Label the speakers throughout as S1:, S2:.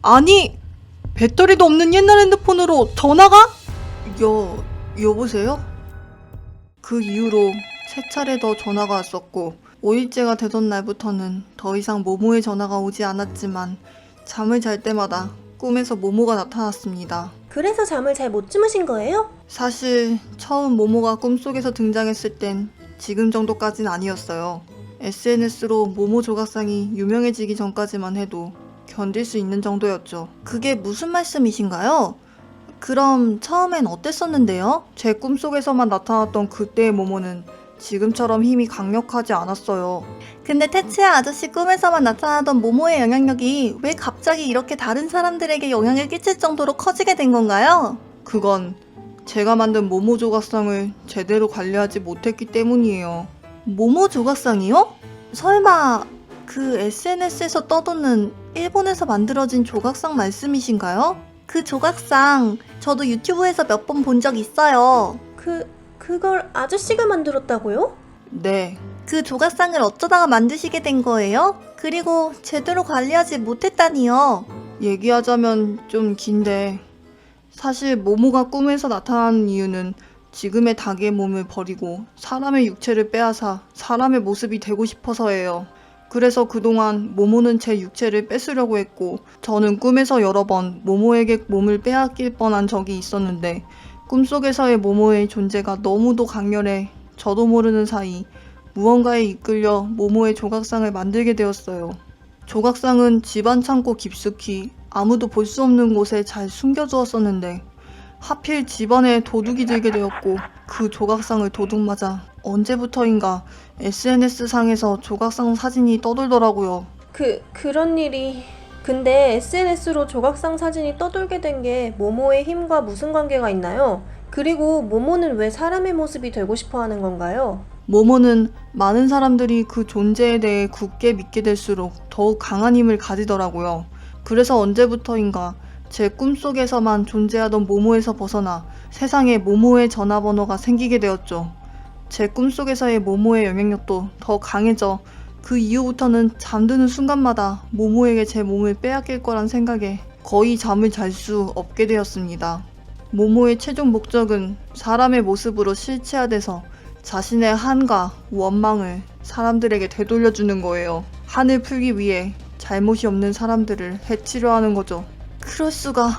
S1: 아니, 배터리도 없는 옛날 핸드폰으로 전화가? 여보세요? 그 이후로 3차례 더 전화가 왔었고 5일째가 되던 날부터는 더 이상 모모의 전화가 오지 않았지만 잠을 잘 때마다 꿈에서 모모가 나타났습니다.
S2: 그래서 잠을 잘 못 주무신 거예요?
S1: 사실 처음 모모가 꿈속에서 등장했을 땐 지금 정도까진 아니었어요. SNS로 모모 조각상이 유명해지기 전까지만 해도 견딜 수 있는 정도였죠. 그게 무슨 말씀이신가요? 그럼 처음엔 어땠었는데요? 제 꿈속에서만 나타났던 그때의 모모는 지금처럼 힘이 강력하지 않았어요. 근데 테츠야 아저씨 꿈에서만 나타나던 모모의 영향력이 왜 갑자기 이렇게 다른 사람들에게 영향을 끼칠 정도로 커지게 된 건가요? 그건 제가 만든 모모 조각상을 제대로 관리하지 못했기 때문이에요. 모모 조각상이요? 설마 그 SNS에서 떠도는 일본에서 만들어진 조각상 말씀이신가요? 그 조각상 저도 유튜브에서 몇 번 본 적 있어요.
S2: 그걸 아저씨가 만들었다고요?
S1: 네. 그 조각상을 어쩌다가 만드시게 된 거예요? 그리고 제대로 관리하지 못했다니요. 얘기하자면 좀 긴데 사실 모모가 꿈에서 나타나는 이유는 지금의 닭의 몸을 버리고 사람의 육체를 빼앗아 사람의 모습이 되고 싶어서예요. 그래서 그동안 모모는 제 육체를 뺏으려고 했고 저는 꿈에서 여러 번 모모에게 몸을 빼앗길 뻔한 적이 있었는데 꿈속에서의 모모의 존재가 너무도 강렬해 저도 모르는 사이 무언가에 이끌려 모모의 조각상을 만들게 되었어요. 조각상은 집안 창고 깊숙이 아무도 볼 수 없는 곳에 잘 숨겨두었었는데 하필 집안에 도둑이 들게 되었고 그 조각상을 도둑맞아 언제부터인가 SNS상에서 조각상 사진이 떠돌더라고요.
S2: 그런 일이... 근데 SNS로 조각상 사진이 떠돌게 된 게 모모의 힘과 무슨 관계가 있나요? 그리고 모모는 왜 사람의 모습이 되고 싶어 하는 건가요?
S1: 모모는 많은 사람들이 그 존재에 대해 굳게 믿게 될수록 더욱 강한 힘을 가지더라고요. 그래서 언제부터인가 제 꿈속에서만 존재하던 모모에서 벗어나 세상에 모모의 전화번호가 생기게 되었죠. 제 꿈속에서의 모모의 영향력도 더 강해져 그 이후부터는 잠드는 순간마다 모모에게 제 몸을 빼앗길 거란 생각에 거의 잠을 잘 수 없게 되었습니다. 모모의 최종 목적은 사람의 모습으로 실체화돼서 자신의 한과 원망을 사람들에게 되돌려주는 거예요. 한을 풀기 위해 잘못이 없는 사람들을 해치려 하는 거죠. 그럴 수가.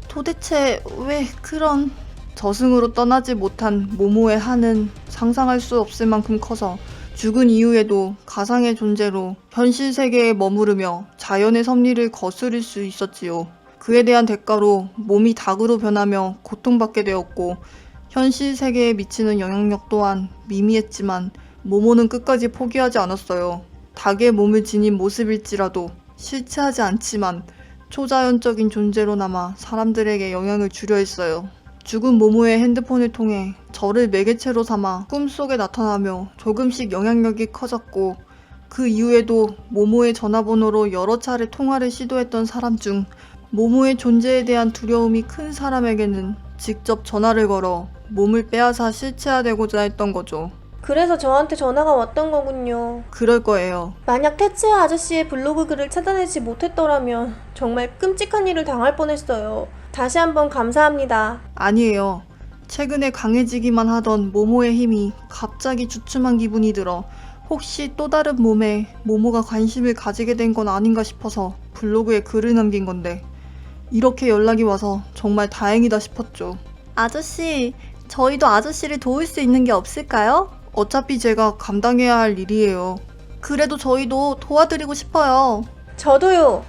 S1: 도대체 왜 그런... 저승으로 떠나지 못한 모모의 한은 상상할 수 없을 만큼 커서 죽은 이후에도 가상의 존재로 현실 세계에 머무르며 자연의 섭리를 거스릴 수 있었지요. 그에 대한 대가로 몸이 닭으로 변하며 고통받게 되었고 현실 세계에 미치는 영향력 또한 미미했지만 모모는 끝까지 포기하지 않았어요. 닭의 몸을 지닌 모습일지라도 실체하지 않지만 초자연적인 존재로 남아 사람들에게 영향을 주려 했어요. 죽은 모모의 핸드폰을 통해 저를 매개체로 삼아 꿈속에 나타나며 조금씩 영향력이 커졌고 그 이후에도 모모의 전화번호로 여러 차례 통화를 시도했던 사람 중 모모의 존재에 대한 두려움이 큰 사람에게는 직접 전화를 걸어 몸을 빼앗아 실체화되고자 했던 거죠.
S2: 그래서 저한테 전화가 왔던 거군요.
S1: 그럴 거예요.
S2: 만약 테츠야 아저씨의 블로그 글을 찾아내지 못했더라면 정말 끔찍한 일을 당할 뻔했어요. 다시 한번 감사합니다.
S1: 아니에요. 최근에 강해지기만 하던 모모의 힘이 갑자기 주춤한 기분이 들어 혹시 또 다른 몸에 모모가 관심을 가지게 된 건 아닌가 싶어서 블로그에 글을 남긴 건데 이렇게 연락이 와서 정말 다행이다 싶었죠. 아저씨, 저희도 아저씨를 도울 수 있는 게 없을까요? 어차피 제가 감당해야 할 일이에요. 그래도 저희도 도와드리고 싶어요.
S2: 저도요.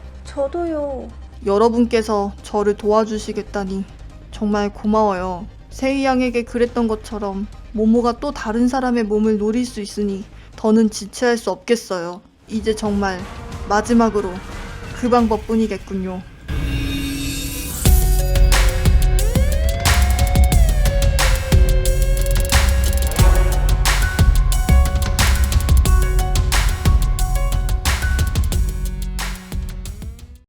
S1: 여러분께서 저를 도와주시겠다니 정말 고마워요. 세이 양에게 그랬던 것처럼 모모가 또 다른 사람의 몸을 노릴 수 있으니 더는 지체할 수 없겠어요. 이제 정말 마지막으로 그 방법뿐이겠군요.